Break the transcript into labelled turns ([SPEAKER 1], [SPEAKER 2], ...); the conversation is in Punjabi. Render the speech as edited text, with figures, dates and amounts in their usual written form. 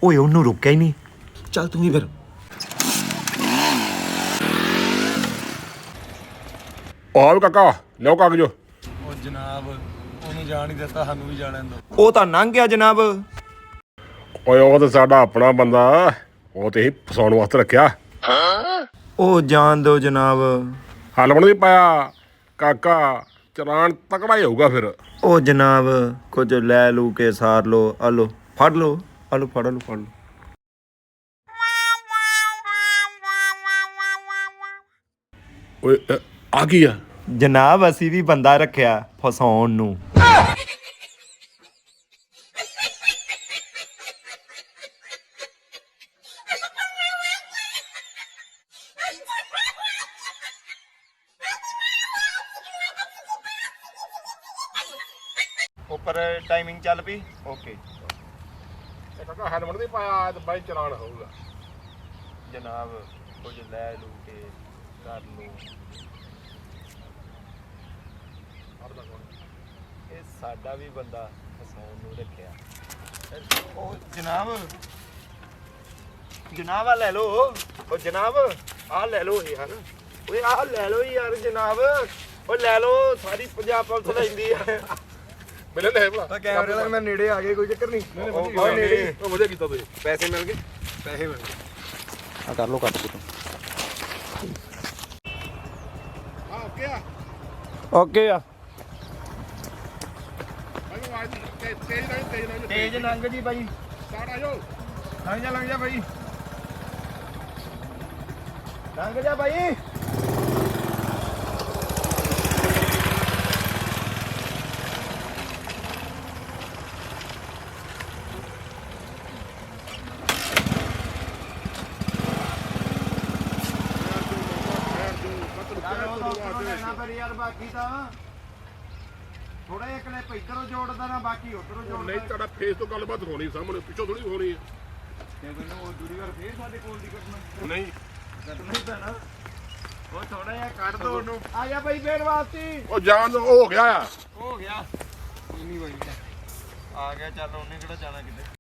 [SPEAKER 1] ਓਏ ਉਹਨੂੰ ਰੋਕਿਆ ਹੀ ਨਹੀਂ।
[SPEAKER 2] ਚੱਲ ਤੂੰ ਹੀ ਫਿਰ।
[SPEAKER 3] ਆਹ ਕਾਕਾ ਲਿਓ ਕਾਗਜ਼।
[SPEAKER 2] ਉਹ ਜਨਾਬ ਉਹਨੂੰ ਜਾਣ ਹੀ ਦਿੱਤਾ, ਸਾਨੂੰ ਵੀ ਜਾਣ ਦਿਓ।
[SPEAKER 1] ਉਹ ਤਾਂ ਲੰਘ ਗਿਆ ਜਨਾਬ।
[SPEAKER 3] ਓਏ ਉਹ ਤਾਂ ਸਾਡਾ ਆਪਣਾ ਬੰਦਾ, ਉਹ ਤੇ ਹੀ ਫਸਾਉਣ ਵਾਸਤੇ ਰੱਖਿਆ।
[SPEAKER 1] ਉਹ ਜਾਣ ਦਿਓ ਜਨਾਬ।
[SPEAKER 3] ਹਲਵਣ ਨਹੀਂ ਪਾਇਆ ਕਾਕਾ, ਚਲਾਨ ਤਕੜਾ ਹੀ ਹੋਊਗਾ ਫਿਰ।
[SPEAKER 1] ਉਹ ਜਨਾਬ ਕੁਝ ਲੈ ਲੂ ਕੇ ਸਾਰ ਲੋ। ਆ ਲੋ ਫੜ ਲੋ, ਆ ਲੋ ਫੜ ਲੋ, ਫੜ ਲੋ।
[SPEAKER 3] ਓਏ ਆ ਕੀ ਆ?
[SPEAKER 1] ਜਨਾਬ ਅਸੀਂ ਵੀ ਬੰਦਾ ਰੱਖਿਆ ਫਸਾਉਣ ਨੂੰ। ਉੱਪਰ ਟਾਈਮਿੰਗ ਚੱਲ ਪਈ। ਓਕੇ
[SPEAKER 3] ਇਹ ਕਾਕਾ ਹੈਲਮਟ ਨਹੀਂ ਪਾਇਆ ਤੇ ਬਾਈ ਚਲਾਨ ਹੋਊਗਾ।
[SPEAKER 1] ਜਨਾਬ ਕੁਝ ਲੈ ਲੂ ਕੇ ਕਰ ਲੋ। ਇਹ ਸਾਡਾ ਵੀ ਬੰਦਾ ਫਸਾਉਣ ਨੂੰ ਰੱਖਿਆ। ਉਹ ਜਨਾਬ, ਜਨਾਬ ਆ ਲੈ ਲੋ। ਉਹ ਜਨਾਬ ਆ ਲੈ ਲੋ ਯਾਰ। ਓਏ ਆ ਲੈ ਲੋ ਯਾਰ ਜਨਾਬ। ਉਹ ਲੈ ਲੋ, ਸਾਰੀ ਪੰਜਾਬ ਪੁਲਿਸ ਲੈਂਦੀ ਆ।
[SPEAKER 3] ਮਿਲੇ ਨਹੀਂ ਭਲਾ
[SPEAKER 2] ਤਾਂ ਕੈਮਰੇ ਵਾਲੇ ਮੈਂ ਨੇੜੇ ਆ ਗਏ, ਕੋਈ ਚੱਕਰ ਨਹੀਂ।
[SPEAKER 3] ਉਹ ਨੇੜੇ ਉਹ ਵਧੀਆ ਕੀਤਾ ਤੁਸੀਂ।
[SPEAKER 2] ਪੈਸੇ ਮਿਲ ਗਏ, ਪੈਸੇ ਮਿਲ ਗਏ। ਆ ਕਰ ਲੋ ਕੱਟ ਕੇ ਤੂੰ।
[SPEAKER 3] ਹਾਂ ਓਕੇ ਆ।
[SPEAKER 2] ਓਕੇ ਆ।
[SPEAKER 1] ਤੇਜ ਲੰਘ ਜੀ ਬਾਈ।
[SPEAKER 3] ਸਟਾਰਟ ਆ ਜਾਓ।
[SPEAKER 1] ਲੰਘ ਜਾ ਬਾਈ। ਲੰਘ ਜਾ ਬਾਈ। ਯਾਰ ਬਾਕੀ ਤਾਂ ਥੋੜਾ ਜਿਹਾ ਕਲਿੱਪ ਇੱਧਰੋਂ ਜੋੜਦਾ ਨਾ, ਬਾਕੀ ਉੱਧਰੋਂ ਜੋੜਦਾ।
[SPEAKER 3] ਨਹੀਂ ਤੁਹਾਡਾ ਫੇਸ ਤੋਂ ਗੱਲਬਾਤ ਹੋਣੀ ਸਾਹਮਣੇ, ਪਿੱਛੋਂ ਥੋੜੀ ਹੋਣੀ ਹੈ।
[SPEAKER 1] ਤੇ ਮੈਨੂੰ ਉਹ ਦੂਰੀ ਵਾਰ ਫੇਰ ਸਾਡੇ ਕੋਲ ਦੀ ਕੱਟਣਾ
[SPEAKER 3] ਨਹੀਂ
[SPEAKER 1] ਕੱਟਣਾ ਹੀ ਪੈਣਾ। ਉਹ ਥੋੜਾ ਜਿਹਾ ਕੱਢ ਦੋ ਉਹਨੂੰ। ਆ ਜਾ ਬਾਈ ਫੇਰ ਵਾਪਸੀ।
[SPEAKER 3] ਉਹ ਜਾਣ ਦੋ, ਉਹ ਹੋ ਗਿਆ ਆ।
[SPEAKER 1] ਹੋ ਗਿਆ। ਇੰਨੀ ਬਾਈ ਆ ਗਿਆ। ਚੱਲ ਉਹਨੇ ਕਿਹੜਾ ਜਾਣਾ ਕਿਤੇ।